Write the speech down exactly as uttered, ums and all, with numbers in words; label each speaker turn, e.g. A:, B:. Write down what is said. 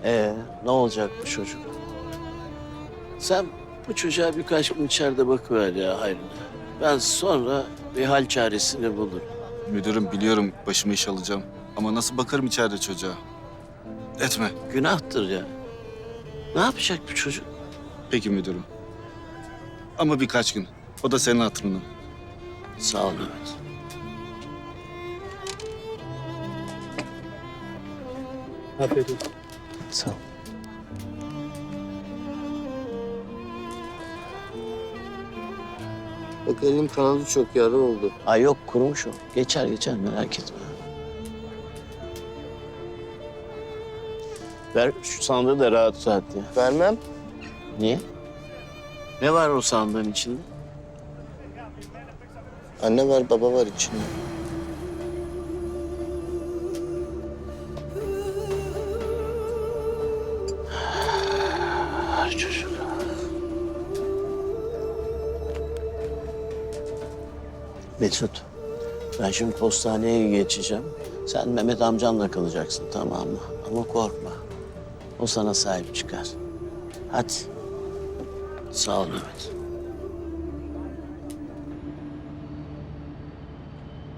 A: Ee, ne olacak bu çocuk? Sen bu çocuğa birkaç gün içeride bakıver ya hayrına. Ben sonra bir hal çaresini bulurum.
B: Müdürüm biliyorum başımı iş alacağım. Ama nasıl bakarım içeride çocuğa? Etme.
A: Günahtır ya. Ne yapacak bu çocuk?
B: Peki müdürüm. Ama birkaç gün. O da senin hatırına.
A: Sağ ol Mehmet.
C: Afiyet olsun.
A: Sağ ol.
D: Bak elim kanadı çok yara oldu.
A: Ay yok kurumuş o. Geçer geçer merak etme. Ver şu sandığı da rahat rahat ya.
D: Vermem.
A: Niye? Ne var o sandığın içinde?
D: Anne var baba var içinde.
A: Her çocuk. Mesut, ben şimdi postaneye geçeceğim. Sen Mehmet amcanla kalacaksın tamam mı? Ama korkma. O sana sahip çıkar. Hadi. Sağ ol Mehmet.